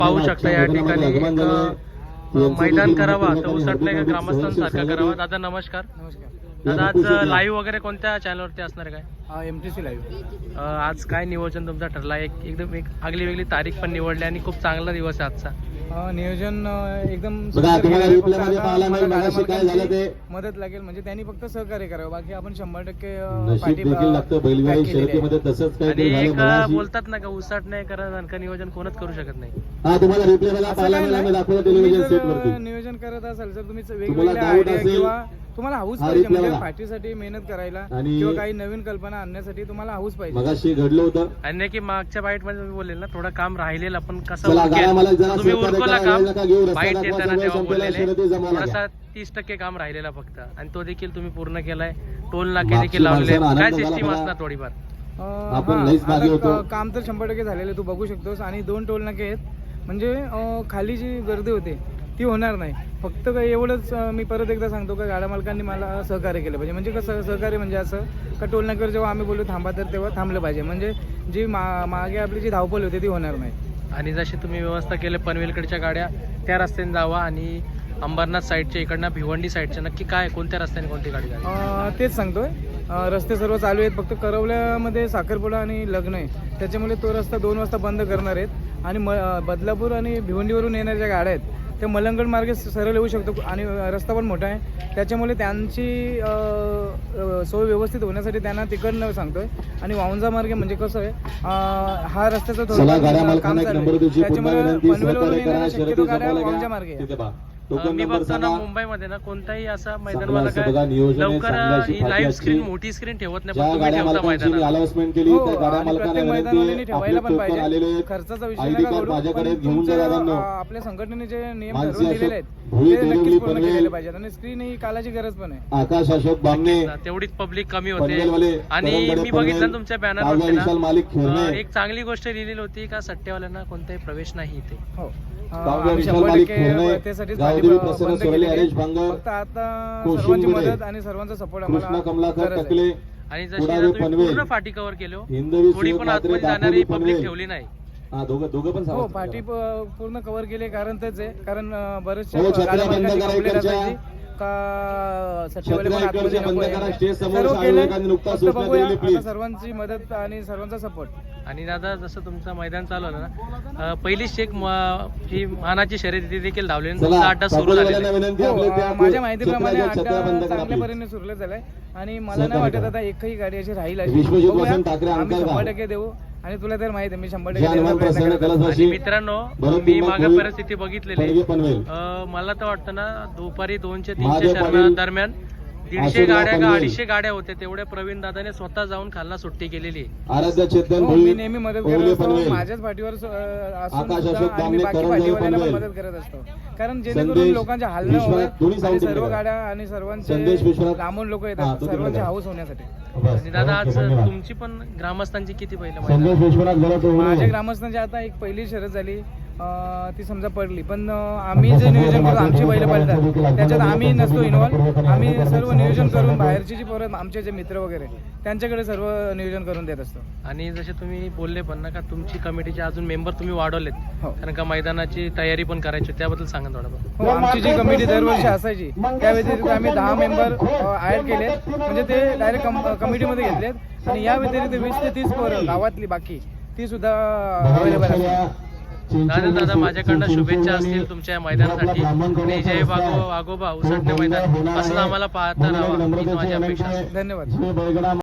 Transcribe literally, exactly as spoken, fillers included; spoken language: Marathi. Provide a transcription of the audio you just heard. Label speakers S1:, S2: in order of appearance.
S1: पाहू शकता या ठिकाणी एक मैदान करावा तर उसटणे का ग्रामस्थांसारखा करावा. दादा नमस्कार.
S2: नमस्कार
S1: दादा आज लाईव्ह वगैरे कोणत्या चॅनलवरती असणार आहे काय?
S2: M T C live.
S1: आज काय नियोजन तुमचा ठरला? एक एकदम एक आगली वेगळी तारीख पण निवडली आणि खूप चांगला दिवस आहे आजचा.
S2: नियोजन एकदम मदत लागेल म्हणजे त्यांनी फक्त सहकार्य करावं, बाकी आपण शंभर टक्के
S1: आणि एक बोलतात ना का उसाट नाही करा का नियोजन कोणच करू शकत नाही.
S2: नियोजन करत असाल जर तुम्ही वेगवेगळ्या आयडिया किंवा तुम्हाला हाऊस पाहिजे म्हणजे पार्टीसाठी मेहनत करायला किंवा काही नवीन कल्पना आणण्यासाठी तुम्हाला हाऊस पाहिजे.
S3: घडलं होतं
S1: आणि की मागच्या बाईट मध्ये मी बोललेल ना थोडं काम राहिलेलं पण कसं तुम्ही उरकला काम बाईट देताना तेव्हा बोललेले थोडासा तीस टक्के काम राहिलेला फक्त आणि तो देखील तुम्ही पूर्ण केलाय. टोल नाके देखील लावले. काय सिस्टीम असणार थोडीफार?
S2: काम तर शंभर टक्के झालेलं तू बघू शकतोस आणि दोन टोल नाके आहेत म्हणजे खाली जी गर्दी होते ती होणार नाही. फक्त काय एवढंच मी परत एकदा सांगतो का गाड्या मालकांनी मला सहकार्य केलं पाहिजे. म्हणजे कसं सहकार्य म्हणजे असं का टोल नाक्यावर जेव्हा आम्ही बोलू थांबा तर तेव्हा थांबलं पाहिजे म्हणजे जी मा मागे आपली जी धावपळ होती ती होणार नाही.
S1: आणि जशी तुम्ही व्यवस्था केली पनवेलकडच्या गाड्या त्या रस्त्याने जावा आणि अंबरनाथ साईडच्या इकडनं भिवंडी साईडच्या नक्की काय कोणत्या रस्त्याने कोणती गाडी जाईल
S2: तेच सांगतोय. रस्ते सर्व चालू आहेत फक्त करवल्यामध्ये साखरपुडा आणि लग्न आहे त्याच्यामुळे तो रस्ता दोन वाजता बंद करणार आहेत आणि म बदलापूर आणि भिवंडीवरून येणाऱ्या ज्या गाड्या आहेत ते मलंगड मार्गे सरळ येऊ शकतो आणि रस्ता पण मोठा आहे त्याच्यामुळे त्यांची सोय व्यवस्थित होण्यासाठी त्यांना तिकडनं सांगतोय. आणि वाऊंजा मार्गे म्हणजे कसं आहे हा रस्त्याचा थोडं काम चालू आहे त्याच्यामुळे पनवेलवरून येणाऱ्या शक्यतो गाड्या वाऊंजा मार्गे आहे.
S1: मी बघतो ना मुंबईमध्ये ना कोणताही असा मैदानवाला काय लवकर लाईव्ह स्क्रीन मोठी स्क्रीन ठेवत नाही पण तुम्ही ठेवता मैदानात.
S2: प्रत्येक मैदानाने ठेवायला पण पाहिजे. खर्चाचा विषय नका करू. आपल्या संघटनेने जे नियम ठरवून दिलेले आहेत ते नक्कीच पूर्ण केलेले पाहिजेत आणि स्क्रीन ही कालाची गरज पण आहे.
S3: आकाश अशोक बामणे
S1: तेवढीच पब्लिक कमी होते. आणि मी बघितलं तुमच्या बॅनरवरती ना एक चांगली गोष्ट लिहिलेली होती का सट्टेवाल्यांना कोणताही प्रवेश नाही इथे.
S2: हो शंभर टक्के त्यासाठीच फक्त आता सर्वांची मदत आणि सर्वांचा सपोर्ट आम्हाला.
S1: आणि जशी पूर्ण फाटी कव्हर केली थोडी पण आतमध्ये जाणारी पब्लिक ठेवली नाही.
S2: हो पाठी पूर्ण कव्हर केली कारण तेच आहे कारण बरेचशा गाड्या मालकांची कंप्लेंट असायची का सट्टेवाले पण आतमध्ये नको सर्व केले फक्त बघूया आता सर्वांची मदत आणि सर्वांचा सपोर्ट.
S1: आणि दादा जसं तुमचं मैदान चालू आलं ना पहिली शेक ही मानाची शर्यती देखील धावली अड्डा सुरू झालेला
S2: माझ्या माहितीप्रमाणे अड्डा चांगल्या परीने सुरू झालाय आणि मला नाही वाटत आता एकही गाडी अशी राहील अशी. आम्ही शंभर टक्के देऊ आणि तुला तर माहिती आहे मी शंभर टक्के.
S1: मित्रांनो मी मागे परिस्थिती बघितलेली मला तर वाटतं ना दुपारी दोनशे तीनशे शर्मा दरम्यान दीडशे गाड्या का अडीचशे गाड्या होत्या तेवढ्या प्रवीण दादाने स्वतः जाऊन खालना सुट्टी केलेली.
S2: मी नेहमी मदत करत असतो माझ्याच पाठीवर असून मी बाकी पाठीवाल्यांना पण मदत करत असतो कारण जेणेकरून लोकांच्या हाल न होत आणि सर्व गाड्या आणि सर्वांचे लांबून लोक येतात सर्वांचे हाऊस होण्यासाठी.
S1: आणि दादा आज तुमची पण ग्रामस्थांची किती पहिलं?
S2: माझ्या ग्रामस्थांची आता एक पहिली शर्यत झाली ती समजा पडली पण आम्ही जे नियोजन करतो आमची बैल पडतात त्याच्यात आम्ही नसतो इन्व्हॉल्व. आम्ही सर्व नियोजन करून बाहेरची जी पोरं आमचे जे मित्र वगैरे त्यांच्याकडे सर्व नियोजन करून देत असतो. आणि
S1: जसे तुम्ही बोलले पण ना का तुमची कमिटीचे अजून मेंबर तुम्ही वाढवलेत कारण का मैदानाची तयारी पण करायची त्याबद्दल सांगा थोडं.
S2: हो आमची जी कमिटी दरवर्षी असायची त्या व्यतिरिक्त आम्ही दहा मेंबर ऍड केले म्हणजे ते डायरेक्ट कमिटीमध्ये घेतलेत आणि या व्यतिरिक्त वीस ते तीस पोरं गावातली बाकी ती सुद्धा अवेलेबल असतात.
S1: दादा दादा माझ्याकडनं शुभेच्छा असतील तुमच्या मैदानासाठी आणि जय बागो आगोबा उसटणे मैदान असं आम्हाला पाहता राहावं हीच माझी अपेक्षा.
S2: धन्यवाद.